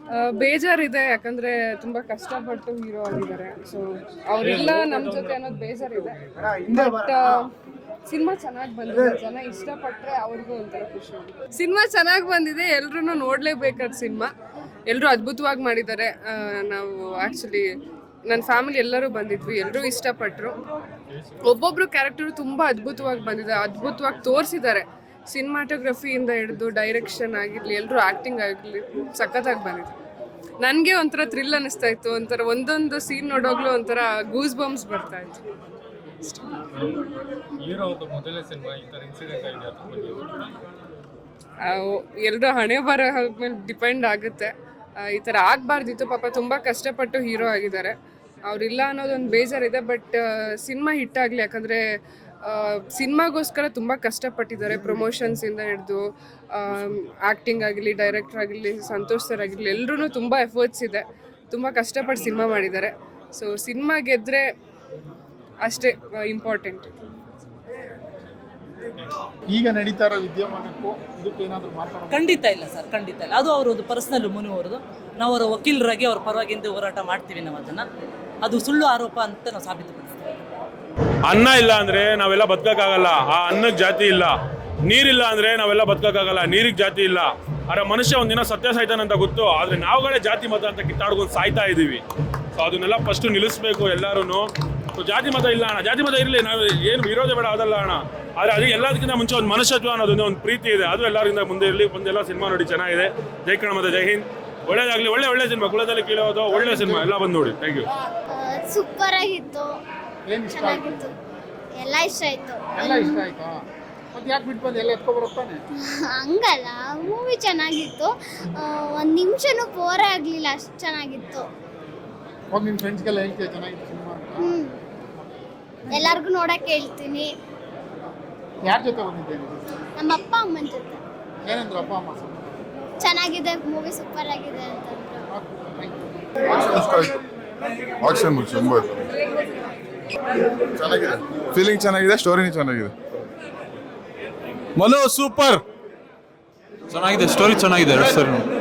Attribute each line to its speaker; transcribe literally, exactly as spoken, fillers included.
Speaker 1: ಬೇಜಾರಿದೆ, ಯಾಕಂದ್ರೆ ತುಂಬಾ ಕಷ್ಟಪಟ್ಟು ಹೀರೋ ಆಗಿದ್ದಾರೆ. ಸೊ ಅವರಿಲ್ಲ ನಮ್ಮ ಜೊತೆ ಅನ್ನೋದು ಬೇಜಾರಿದೆ. ಬಟ್ ಸಿನಿಮಾ ಚೆನ್ನಾಗಿ ಬಂದಿದೆ, ಜನ ಇಷ್ಟಪಟ್ಟರೆ ಅವ್ರಿಗೂ ಒಂಥರ ಖುಷಿ. ಸಿನಿಮಾ ಚೆನ್ನಾಗಿ ಬಂದಿದೆ, ಎಲ್ರೂ ನೋಡಲೇಬೇಕಾದ ಸಿನಿಮಾ. ಎಲ್ಲರೂ ಅದ್ಭುತವಾಗಿ ಮಾಡಿದ್ದಾರೆ. ನಾವು ಆ್ಯಕ್ಚುಲಿ ನನ್ನ ಫ್ಯಾಮಿಲಿ ಎಲ್ಲರೂ ಬಂದಿದ್ವಿ, ಎಲ್ಲರೂ ಇಷ್ಟಪಟ್ಟರು. ಒಬ್ಬೊಬ್ರು ಕ್ಯಾರೆಕ್ಟರು ತುಂಬ ಅದ್ಭುತವಾಗಿ ಬಂದಿದೆ, ಅದ್ಭುತವಾಗಿ ತೋರಿಸಿದ್ದಾರೆ. ಸಿನಿಮಾಟೋಗ್ರಫಿಯಿಂದ ಹಿಡಿದು ಡೈರೆಕ್ಷನ್ ಆಗಿರಲಿ, ಎಲ್ಲರೂ ಆ್ಯಕ್ಟಿಂಗ್ ಆಗಿರಲಿ ಸಖತ್ತಾಗಿ ಬಂದಿದೆ. ನನಗೆ ಒಂಥರ ಥ್ರಿಲ್ ಅನ್ನಿಸ್ತಾ ಇತ್ತು, ಒಂಥರ ಒಂದೊಂದು ಸೀನ್ ನೋಡೋಗ್ಲೂ ಒಂಥರ ಗೂಸ್ ಬಂಪ್ಸ್ ಬರ್ತಾ ಇತ್ತು. ಎಲ್ಲರೂ ಹಣೆ ಬರ ಮೇಲೆ ಡಿಪೆಂಡ್ ಆಗುತ್ತೆ. ಈ ಥರ ಆಗಬಾರ್ದಿತ್ತು. ಪಾಪ ತುಂಬ ಕಷ್ಟಪಟ್ಟು ಹೀರೋ ಆಗಿದ್ದಾರೆ, ಅವರಿಲ್ಲ ಅನ್ನೋದೊಂದು ಬೇಜಾರಿದೆ. ಬಟ್ ಸಿನಿಮಾ ಹಿಟ್ಟಾಗಲಿ, ಯಾಕಂದರೆ ಸಿನಿಮಾಗೋಸ್ಕರ ತುಂಬ ಕಷ್ಟಪಟ್ಟಿದ್ದಾರೆ. ಪ್ರಮೋಷನ್ಸಿಂದ ಹಿಡಿದು ಆ್ಯಕ್ಟಿಂಗ್ ಆಗಿರಲಿ, ಡೈರೆಕ್ಟರ್ ಆಗಿರಲಿ, ಸಂತೋಷ್ ಸರ್ ಆಗಿರಲಿ, ಎಲ್ಲರೂ ತುಂಬ ಎಫರ್ಟ್ಸ್ ಇದೆ, ತುಂಬ ಕಷ್ಟಪಟ್ಟು ಸಿನಿಮಾ ಮಾಡಿದ್ದಾರೆ. ಸೊ ಸಿನಿಮಾ ಗೆದ್ದರೆ ಅಷ್ಟೇ ಇಂಪಾರ್ಟೆಂಟ್.
Speaker 2: ಈಗ ನಡೀತಾ ಇರೋ ವಿದ್ಯಮಾನಕ್ಕೂ ಇದಕ್ಕೆ ಏನಾದರೂ ಮಾತಾಡೋದು?
Speaker 3: ಖಂಡಿತ ಇಲ್ಲ ಸರ್, ಖಂಡಿತ ಇಲ್ಲ. ಅದು ಅವರದ್ದು ಪರ್ಸನಲ್ ಮುನು ಅವರದು. ನಾವು ಅವರ ವಕೀಲರಾಗಿ ಅವ್ರ ಪರವಾಗಿಂದ ಹೋರಾಟ ಮಾಡ್ತೀವಿ. ನಾವು ಅದನ್ನು ಅದು ಸುಳ್ಳು ಆರೋಪ ಅಂತ ನಾವು ಸಾಬೀತುಪಡಿಸ್ತೀವಿ.
Speaker 4: ಅನ್ನ ಇಲ್ಲ ಅಂದರೆ ನಾವೆಲ್ಲ ಬದುಕೋಕ್ಕಾಗಲ್ಲ, ಆ ಅನ್ನಕ್ಕೆ ಜಾತಿ ಇಲ್ಲ. ನೀರಿಲ್ಲ ಅಂದರೆ ನಾವೆಲ್ಲ ಬದುಕೋಕ್ಕಾಗಲ್ಲ, ನೀರಿಗೆ ಜಾತಿ ಇಲ್ಲ. ಆದರೆ ಮನುಷ್ಯ ಒಂದಿನ ಸತ್ಯ ಸಾಯ್ತಾನಂತ ಗೊತ್ತು, ಆದರೆ ನಾವುಗಳೇ ಜಾತಿ ಮತ ಅಂತ ಕಿತ್ತಾಡ್ಕೊಂಡು ಸಾಯ್ತಾ ಇದ್ದೀವಿ. ಸೊ ಅದನ್ನೆಲ್ಲ ಫಸ್ಟು ನಿಲ್ಲಿಸ್ಬೇಕು ಎಲ್ಲರೂ. ಸೊ ಜಾತಿ ಮತ ಇಲ್ಲ ಅಣ್ಣ, ಜಾತಿ ಮತ ಇರಲಿ, ನಾವು ಏನು ವಿರೋಧ ಬೇಡ ಅದಲ್ಲ ಅಣ್ಣ. ಆದರೆ ಅದಕ್ಕೆ ಎಲ್ಲದಕ್ಕಿಂತ ಮುಂಚೆ ಒಂದು ಮನುಷ್ಯತ್ವ ಅನ್ನೋದೊಂದು ಒಂದು ಪ್ರೀತಿ ಇದೆ, ಅದು ಎಲ್ಲರಿಂದ ಮುಂದೆ ಇರಲಿ. ಮುಂದೆಲ್ಲ ಸಿನಿಮಾ ನೋಡಿ ಚೆನ್ನಾಗಿದೆ. ಜೈ ಕನ್ನಡ ಮತ್ತು ಜೈ ಹಿಂದ್. ಒಳ್ಳೇದಾಗಲಿ, ಒಳ್ಳೆ ಒಳ್ಳೆ ಸಿನಿಮಾ, ಕುಲದಲ್ಲಿ ಕೀಳೋದು ಒಳ್ಳೆ ಸಿನಿಮಾ, ಎಲ್ಲ ಬಂದು ನೋಡಿ. Thank you.
Speaker 5: ಸೂಪರ್ ಆಗಿತ್ತು, ಚೆನ್ನಾಗಿತ್ತು, ಎಲ್ಲ ಇಷ್ಟ ಆಯ್ತು.
Speaker 2: ಎಲ್ಲ ಇಷ್ಟ ಆಯ್ತಾ? ಮತ್ತೆ ಯಾಕೆ ಬಿಟ್ಟು ಬಂದು ಎಲ್ಲ ಎತ್ಕೊ ಬರುತ್ತಾನೆ?
Speaker 5: ಹಂಗಲ್ಲ, ಮೂವಿ ಚೆನ್ನಾಗಿತ್ತು. ಒಂದು ನಿಮಿಷನೂ ಬೋರೇ ಆಗಲಿಲ್ಲ, ಅಷ್ಟು ಚೆನ್ನಾಗಿತ್ತು.
Speaker 2: ಹೋಗಿ ನಿಮ್ಮ ಫ್ರೆಂಡ್ಸ್ಗೆಲ್ಲ ಹೇಳ್ತೀಯ ಚೆನ್ನಾಗಿತ್ತು ಸಿನಿಮಾ ಅಂತ?
Speaker 5: ಹ್ಞೂ, ಎಲ್ಲರಿಗೂ ನೋಡೋಕ್ಕೆ ಹೇಳ್ತೀನಿ.
Speaker 2: ಯಾರ ಜೊತೆ ಬಂದಿದ್ದೇನೆ?
Speaker 5: ನಮ್ಮ ಅಪ್ಪ ಅಮ್ಮನ ಜೊತೆ.
Speaker 2: ಏನಂದ್ರು ಅಪ್ಪ ಅಮ್ಮ?
Speaker 5: ಚೆನ್ನಾಗಿದೆ ಮೂವಿ, ಸೂಪರ್ ಆಗಿದೆ ಅಂತಂದ್ರು.
Speaker 6: ಆಕ್ಷನ್ ತುಂಬ ಚೆನ್ನಾಗಿದೆ, ಫೀಲಿಂಗ್ ಚೆನ್ನಾಗಿದೆ, ಸ್ಟೋರಿನೂ ಚೆನ್ನಾಗಿದೆ.
Speaker 7: ಮನು ಸೂಪರ್ ಚೆನ್ನಾಗಿದೆ, ಸ್ಟೋರಿ ಚೆನ್ನಾಗಿದೆ. ಸರ್